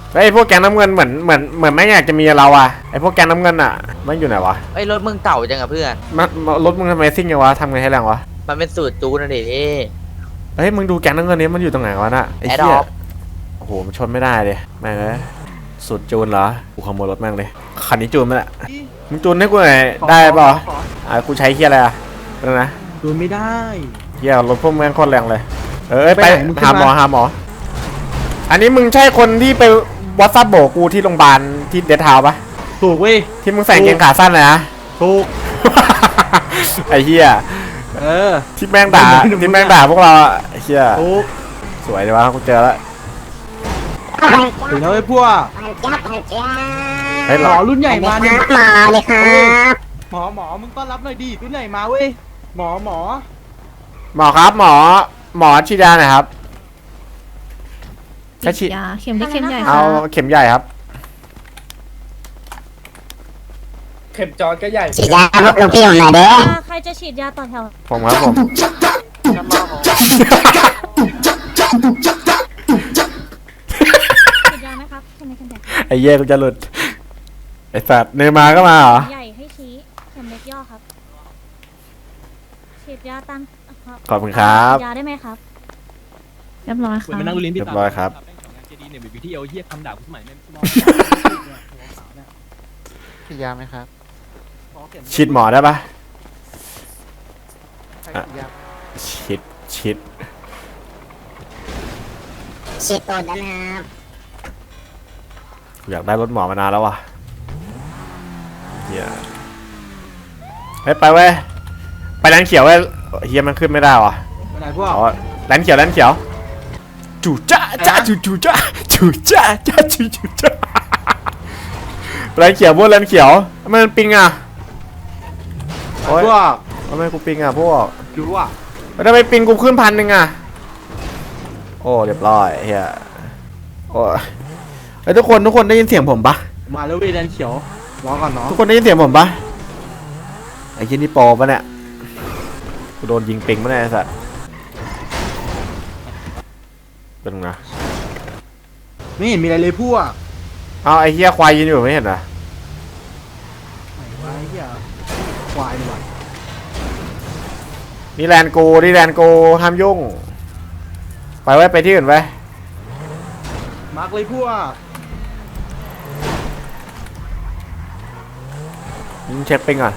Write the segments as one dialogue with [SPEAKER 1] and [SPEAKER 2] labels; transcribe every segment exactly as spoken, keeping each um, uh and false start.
[SPEAKER 1] ไอ้พวกแกงน้ำเงินเหมือนเหมือนเหมือนไม่อยากจะมีเราอะไอ้พวกแกงน้ำเงินอะมันอยู่ไหนวะ
[SPEAKER 2] ไอ้รถมึงเก่าจังอะเพื่อน
[SPEAKER 1] มันรถมึงทำไมซิ่งยังวะทำไงให้แรงวะ
[SPEAKER 2] มันเป็นสูตรจูนนะดิพี่
[SPEAKER 1] เฮ้ยมึงดูแกงน้ำเงินนี้มันอยู่ตรงไหนวะน่ะไอ้เหี้ย
[SPEAKER 2] Adopt
[SPEAKER 1] โอ้โหมันชนไม่ได้เลยแม่งเลยสุดจูนเหรอกูขโมยรถแม่งเลยคันนี้จูนไหมล่ะมึงจูนให้กูหน่อยได้ป่ะอ่ะกูใช้เหี้ยอะไรอะเป็นนะ
[SPEAKER 3] ดูไม่ได้
[SPEAKER 1] เหี้ยรถพวกแม่งโคตรแรงเลยเออไป
[SPEAKER 3] ไปไหนมึงขึ้น
[SPEAKER 1] หาหมอ
[SPEAKER 3] มา
[SPEAKER 1] หาหมออันนี้มึงใช่คนที่ไปวัดซับโบกกูที่โรงพยาบาลที่เดททาวน์ปะ
[SPEAKER 3] ถูกเว้ย
[SPEAKER 1] ที่มึงใส่กางเกงขาสั้นเลยนะ
[SPEAKER 3] ถูก
[SPEAKER 1] ไอ้เหี้ย
[SPEAKER 3] เออ
[SPEAKER 1] ที่แม่งด่า
[SPEAKER 3] มึงมึง
[SPEAKER 1] ที่แม่งด่าพวกเราอะไอ้เหี้ย
[SPEAKER 3] ถูก
[SPEAKER 1] สวยดีวะกูเจอแล้ว
[SPEAKER 3] ถึงแล้วไอ้พวก
[SPEAKER 1] เฮ้ย
[SPEAKER 3] หม
[SPEAKER 1] เรา
[SPEAKER 3] อรุ่นใหญ่มาเนี่ย
[SPEAKER 4] มาเลยครับ
[SPEAKER 3] หมอหมอมึงต้อนรับหน่อยดิรุ่นใหญ่มาเว้ยหมอหมอ
[SPEAKER 1] หมอครับหมอหมอฉีดยาหน่อยครับแค่ฉีด
[SPEAKER 5] ยาเข็มเล็กเข็มใหญ่
[SPEAKER 1] เอา
[SPEAKER 5] ค่ะ
[SPEAKER 1] เข็มใหญ่ครับ
[SPEAKER 6] เข็มจอดก็ใหญ่
[SPEAKER 4] ฉีดยาพวกลูกพี่ผมหน่อยเด้อ
[SPEAKER 7] ใครจะฉีดยาต่อแถว
[SPEAKER 1] ผมครับผม
[SPEAKER 7] ฉีดยาไหมครับเข็มเล็กเข็มใหญ่
[SPEAKER 1] ไอ้เย่กูจะหลุดไอ้สัตว์เนมาก็มาเหรอ
[SPEAKER 7] ใหญ่ให้ชี้เข็มเล็กย่อครับฉีดยาตาม
[SPEAKER 1] ขอบคุณครับ
[SPEAKER 7] ฉีดยาได้ไหมครับ
[SPEAKER 5] เรียบร้อย
[SPEAKER 3] เหมือ
[SPEAKER 5] ค่ะ
[SPEAKER 3] นมานั่งดูลิ้นพี่
[SPEAKER 1] เรียบร้อยครับ
[SPEAKER 3] เจดีเนี่ยบีที่เอลเฮียคำด่ากูสมัยแม่ง
[SPEAKER 8] ฉีดยาไหมครับ
[SPEAKER 1] ฉีดหมอได้ปะ
[SPEAKER 8] ใคร
[SPEAKER 1] อ่ะ
[SPEAKER 8] ฉีดยา
[SPEAKER 1] ฉีดฉีด
[SPEAKER 4] ฉีดตูดได้ไหมครับ
[SPEAKER 1] อยากได้รถหมอมานานแล้วว่ะเฮียเฮ้ยไปเว้ยไปแลนเขียวเว้ยเฮียมันขึ้นไม่ได้ว่ะ
[SPEAKER 3] ไปไหนพวก
[SPEAKER 1] เอาแลนเขียวแลนเขียวจู่จ้าจ้าจู่จู่จ้าจู่จ้าจ้าจู่จู่จ้าแลนเขียวพวกแลนเขียวทำไมมันปิงอ่ะโอ๊ย
[SPEAKER 3] พวก
[SPEAKER 1] ทำไมกูปิงอ่ะพวก
[SPEAKER 3] รู้อ่ะ
[SPEAKER 1] แล้วทำไมปิงกูขึ้นพันหนึ่งอ่ะโอ้เรียบร้อยเฮียโอ้ยเฮ้ยทุกคนทุกคนได้ยินเสียงผมปะ
[SPEAKER 3] มาแล้วเว้ยแดนเขียวรอก่อนเนาะ
[SPEAKER 1] ทุกคนได้ยินเสียงผมปะไอ้ยี่นี่โปรปะเนี่ยกูโดนยิงปิงปะเนี่ยไอ้สัสเป็นไงนะ
[SPEAKER 3] ไม่เห็นมีอะไรเลยพวก
[SPEAKER 1] เอาไอ้เฮียควายยืนอยู่ไม่เห็นเหรอ
[SPEAKER 3] ไหนวะไอ้เหี้ยควายดีกว่า
[SPEAKER 1] นี่แลนด์กูนี่แลนด์กูห้ามยุ่งไปไว้ไปที่อื่นไว้
[SPEAKER 3] มาร์กเลยพวก
[SPEAKER 1] ยิงเช็คปิงก่อน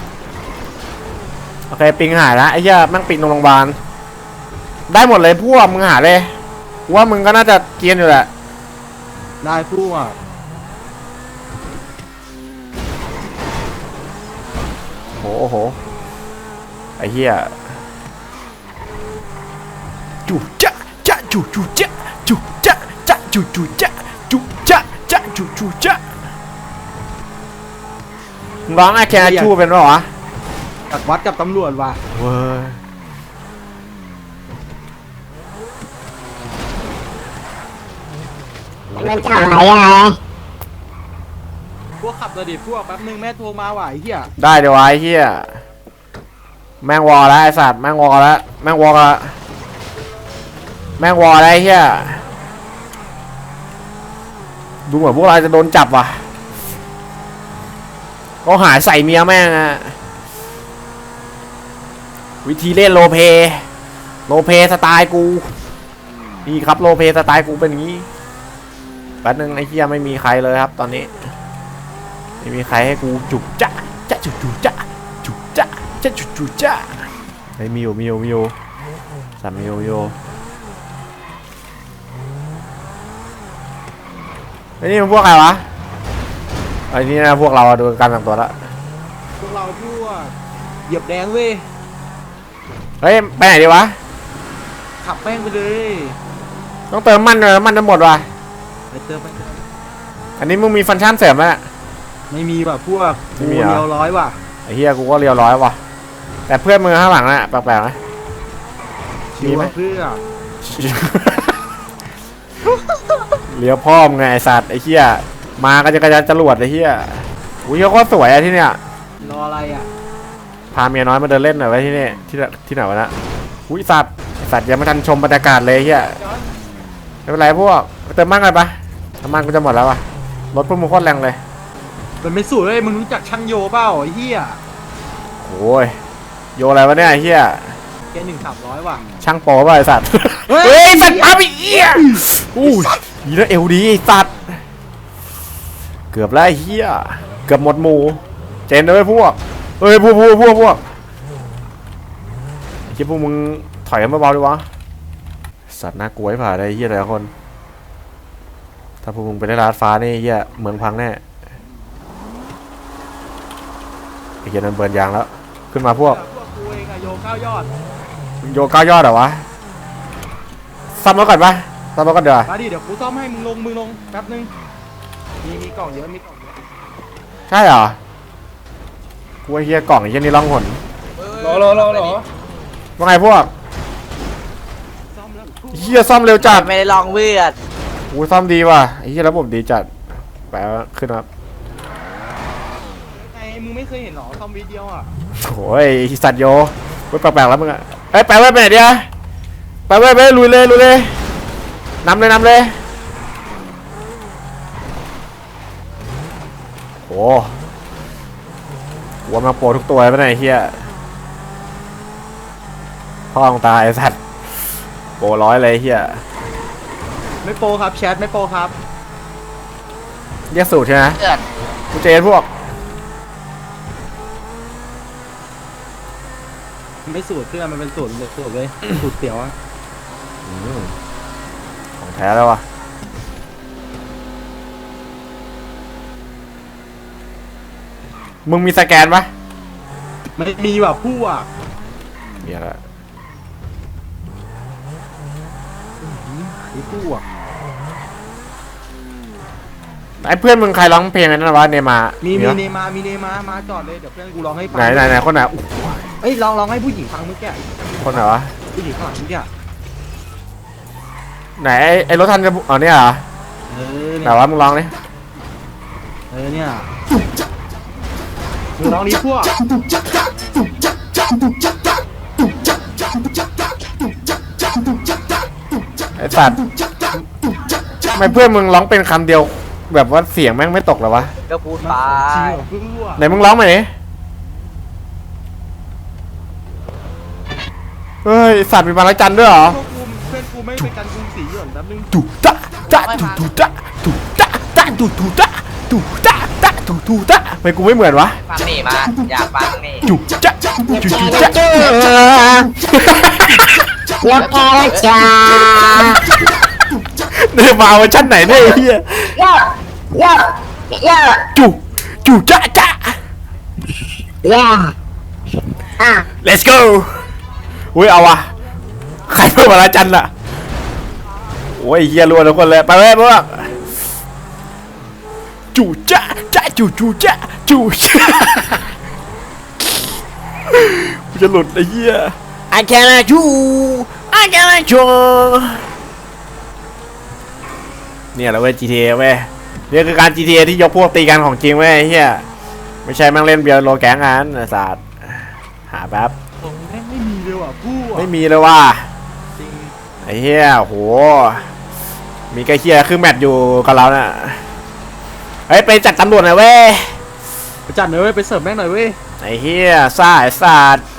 [SPEAKER 1] โอเคปิงหายแล้วไอ้เหี้ยแม่งปิงตรงโรงพยาบาลได้หมดเลยพวกมึงหาเลยกูว่ามึงก็น่าจะเกรียนอยู่แหละ
[SPEAKER 3] ได้พวก
[SPEAKER 1] โอ้โหโอ้โหไอ้เหี้ยจู่จ๊ะจ๊ะจู่จู่จ๊ะจู่จ๊ะจ๊ะจู่จู่จ๊ะจู่จ๊ะจ๊ะจู่จู่จ๊ะมึงร้องไอ้แค่ชูเป็นปะวะ
[SPEAKER 3] ตัดวัดกับตำรวจว่ะ
[SPEAKER 1] เว้ย
[SPEAKER 4] มันจะไหวยังไง
[SPEAKER 3] พวกขับเลยดิพวกแป๊บนึงแม่โทรมาว่ะไอ้เหี้ย
[SPEAKER 1] ได้เดี๋ยวไอ้เหี้ยแม่งวอลแล้วไอ้สัตว์แม่งวอลแล้วแม่งวอลแล้วแม่งวอลแล้วไอ้เหี้ยดูเหมือนพวกเราจะโดนจับว่ะก็หาใส่เมียแม่งอะวิธีเล่นโรลเพลย์โรลเพลย์สไตล์กูนี่ครับโรลเพลย์สไตล์กูเป็นอย่างนี้แป๊บนึงไอ้เหี้ยไม่มีใครเลยครับตอนนี้ไม่มีใครให้กูจุกจ๊ะจ๊ะจุกจุกจ๊ะจุกจ๊ะจ๊ะจุกจุกจ๊ะไอ้มิวมิวมิวสามมิวมิวไอ้นี่มันพวกใครวะไอ้นี่นะพวกเราดูการแต่งตัวละ
[SPEAKER 3] พวกเราพวกเหยียบแดงเว้ย
[SPEAKER 1] เฮ้ยไปไหนดีวะ
[SPEAKER 3] ขับแป้งไปเลย
[SPEAKER 1] ต้องเติมมันเลยมันจะหมดว่ะ
[SPEAKER 3] ไปเติมไปเติม
[SPEAKER 1] อันนี้มึงมีฟังก์ชันเสริมไหม
[SPEAKER 3] ไม่มีว่ะพวก
[SPEAKER 1] ไม่
[SPEAKER 3] กู
[SPEAKER 1] มีเหรอ
[SPEAKER 3] เดียวร้อยว่ะ
[SPEAKER 1] ไอ้เฮียกูก็เรียวร้อยว่ะแต่เพื่อนมึงข้างหลังน่ะแปลกๆนะ
[SPEAKER 3] ชิวว่ะเพื่อ
[SPEAKER 1] เลี้ยวพ่อมงไงไอสัตว์ไอ้เหี้ยมาก็จะกระยันจรวดไอ้เหี้ยอุ้ยเขาก็สวยอะที่เนี้ย
[SPEAKER 3] รออะไรอ่ะ
[SPEAKER 1] พาเมียน้อยมาเดินเล่นหน่อยไว้ที่นี่ที่ที่ไหนวะนะอุ้ยสัตว์ไอ้สัตว์ยังไม่ทันชมบรรยากาศเลยไอ้เหี้ยไม่เป็นไรพวกไปเติมมั่งกันปะน้ำมันกูจะหมดแล้วว่ะรถพวกมึงโคตรแรงเลย
[SPEAKER 3] มันไม่สูตรเลยมึงรู้จักช่างโยเปล่าไอ้เหี้ย
[SPEAKER 1] โอ้ยโยอะไรวะเนี่ยไอ้เฮีย
[SPEAKER 3] แกหนึ่งสามร้อยว่ะ
[SPEAKER 1] ช่างโป๊ป่ะไอสัตว์
[SPEAKER 3] เฮ้ย
[SPEAKER 1] เฮ้ยสัตว์ปั๊บอีเอี้ยอู้ยยีแล้วเอวดีไอ้สัตว์เกือบแล้วไอ้เฮียเกือบหมดหมู่เจนเลยพวกเฮ้ยพวกพวกพวกพวกไอ้เหี้ยพวกมึงถอยกันเบาๆดีวะสัตว์น่ากลัวให้ผ่าได้ไอ้เฮียแต่ละคนถ้าพวกมึงไปได้ลาดฟ้านี่ไอ้เฮียเมืองพังแน่ไอ้เฮียนั่นเบิร์นยางแล้วขึ้นมาพวก
[SPEAKER 3] พวกกูเองอะโยเก้ายอด
[SPEAKER 1] โยก้ายอดเหรอวะซ่อมมาก่อนปะซ่อมมาก่อนเดี๋ยวา
[SPEAKER 3] มาดิเดี๋ยวกูซ่อมให้มึงลงมึงลงแป๊บนึงมีมีกล่องเยอะมีกล่องเยอะ
[SPEAKER 1] ใช่เหรอกูไอ้เฮียกล่องไอ้เฮียนี่ล่องหน
[SPEAKER 6] รอรอรอรอ
[SPEAKER 1] ว่าไงพวก
[SPEAKER 3] ซ่อมแล้ว
[SPEAKER 1] เฮียซ่อมเร็วจัด
[SPEAKER 2] ไม่ได้ลองเพื่อน
[SPEAKER 1] กูซ่อมดีว่ะไอ้เฮียระบบดีจัดแปลว่าขึ้นครับ
[SPEAKER 3] ไอ้มึงไม่เคยเห็นหรอซ่อมวิดีโออ่ะ
[SPEAKER 1] โอ้ยไอ้สัตว์โยเว้ยแปลกๆแล้วมึงอะเอ้ยไปไว้ไปไหนเดียวไปไว้ไปลุยเลยลุยเลยนำเลยนำเลยโอ้หัวมาโปรทุกตัวไปไหนยไอ้เฮียพ่อของตาไอ้สัตว์โปรร้อยเลยไอ้เฮีย
[SPEAKER 3] ไม่โปรครับแชทไม่โปรครับ
[SPEAKER 1] เรียกสูตรใช่ไหม
[SPEAKER 2] เพื่อน
[SPEAKER 1] กูเจนพวก
[SPEAKER 3] ไม่สูตรเพื่อนมันเป็นสูตรเลยสูตรเลยสูตรเตี๋ยวอะ
[SPEAKER 1] อืมของแท้แล้ววะมึงมีสแกนปะ
[SPEAKER 3] มันมีแบบผู้อ่ะ
[SPEAKER 1] มีอะไร
[SPEAKER 3] มีผู้อ่ะ
[SPEAKER 1] ไอ้เพื่อนมึงใครร้องเพลงอันนั้นวะเนมา
[SPEAKER 3] มี
[SPEAKER 1] มี
[SPEAKER 3] มี
[SPEAKER 1] ปะ
[SPEAKER 3] เนมามีเนมามาจอดเลยเดี๋ยวเพื่อนกูร้องให้ฟัง
[SPEAKER 1] ไหนไหนไหนคนไหนอุ๊ย
[SPEAKER 3] เอ้ยร้องร้องให้ผู้หญิงฟังเมื่อกี้
[SPEAKER 1] คนไหนวะ
[SPEAKER 3] ผู้หญิงข้างหลังเมื่อกี้
[SPEAKER 1] ไหนไอ้ไอ้รถทันจะอ๋อเนี่ยเหรอ
[SPEAKER 3] เออ
[SPEAKER 1] ไหน
[SPEAKER 3] เนี่ยว
[SPEAKER 1] ะมึงร้องดิ
[SPEAKER 3] เออเนี่ยมึงร้องนี้พวก
[SPEAKER 1] ไอ้สัตว์ทำไมเพื่อนมึงร้องเป็นคำเดียวแบบว่าเสียงแม่งไม่ตกเลยวะ
[SPEAKER 2] ก็พูด
[SPEAKER 3] มา
[SPEAKER 2] ไป
[SPEAKER 3] จริงเหรอเพื่อน
[SPEAKER 1] ไหนมึงร้องมาดิเฮ้ยไอ้สัตว์มีบางระจันด้วยเหรอ
[SPEAKER 3] พวกกูเพื่อนกูไม่เป็นการกรุงศรีอยู่แป๊บนึง
[SPEAKER 1] ตุตะตะตุตุตะตุตะตะตุตุตะตุตะตะตุตุตะทำไมกูไม่เหมือนวะ
[SPEAKER 2] ฟังนี่มา อยากฟังนี่
[SPEAKER 1] จุจ๊ะจุจุจ๊ะ
[SPEAKER 4] จูยกแกวจ้า
[SPEAKER 1] เนี่ยมาเวอร์ชันไหนเนี่ยไอ้เฮีย
[SPEAKER 4] โยโยโย
[SPEAKER 1] จุจุจ๊ะจ๊ะ
[SPEAKER 4] เย่อ่ะ
[SPEAKER 1] let's go อุ้ยเอาวะใครเพิ่มมาละจันล่ะโอ้ยเฮียรัวทุกคนเลยไปเลยพวกจุจ๊ะจ๊ะจุจุจ๊ะจุจ๊ะกูจะหลุดไอ้เฮีย I cannot you I cannot you เนี่ยแหละเว้ย จี ที เอ เว้ยเนี่ยคือการ จี ที เอ ที่ยกพวกตีกันของจริงเว้ยไอ้เฮียไม่ใช่แม่งเล่นเบียร์โลแก๊งงานไอ้สัตว์หาแป๊บ
[SPEAKER 3] แม่งไม่มีเลยว่ะผู้อ่ะ
[SPEAKER 1] ไม่มีเลยว่ะ
[SPEAKER 3] จริง
[SPEAKER 1] ไอ้เฮียโหมีใกล้เคียคือแมทอยู่กับเราน่ะเฮ้ยไปจัดตำรวจหน่อยเว้ย
[SPEAKER 3] ไปจัดหน่อยเว้ยไปเสิร์ฟแม่งหน่อยเว้ย
[SPEAKER 1] ไอ้เฮียซ่าไอ้สัตว์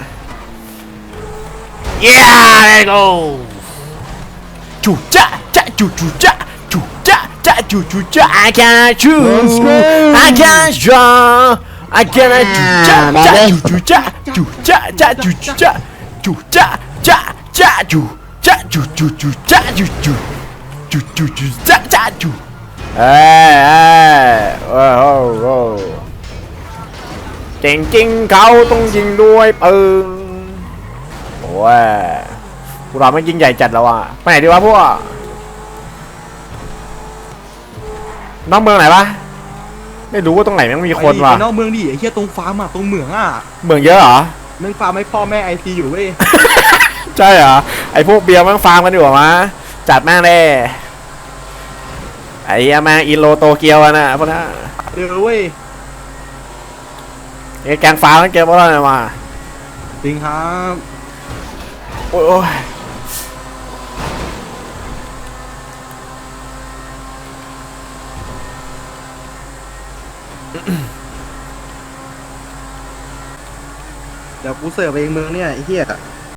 [SPEAKER 1] yeah let's go จุจ๊ะจ๊ะจุจุจ๊ะจุจ๊ะจ๊ะจุจุจ๊ะ I can't choose I can't show I can't จุจ๊ะจ๊ะจุจุจ๊ะจุจ๊ะจ๊ะจุจุจ๊ะจุจ๊ะจ๊ะจ๊ะจุจ๊ะจุจุจุจ๊ะจุจุจุจุจุจ๊ะจ๊ะจุเอ้ยเอ้ยโอ้โหโอ้เก่งจริงเขาต้องยิงด้วยปืนโอ้ยพวกเราไม่ยิ่งใหญ่จัดแล้วอ่ะไปไหนดีวะพวกน้องเมืองไหนวะไม่รู้ว่าตรงไหนแม่งมีคนว่ะ
[SPEAKER 3] ไปนอกเมืองดิไอ้เหี้ยตรงฟาร์มอ่ะตรงเหมืองอ่ะ
[SPEAKER 1] เมืองเยอะเหรอ
[SPEAKER 3] แม่งฟาร์มให้พ่อแม่ไอซีอยู่เว้ย
[SPEAKER 1] ใช่เหรอไอพวกเบียร์แม่งฟาร์มกันดีกว่ามะจัดแม่งเลยไอ้เหี้ยแม่งอินโลโตเกียวอะนะพวกนั้น
[SPEAKER 3] เออเว้ย
[SPEAKER 1] ไอ้แกงฟาร์มกันเกมพวกนั้นมา
[SPEAKER 3] จริงครับ
[SPEAKER 1] โอ้ยโอ้ย
[SPEAKER 3] เดี๋ยวกูเสิร์ฟเองมึงเนี่ยไอ้เหี้ย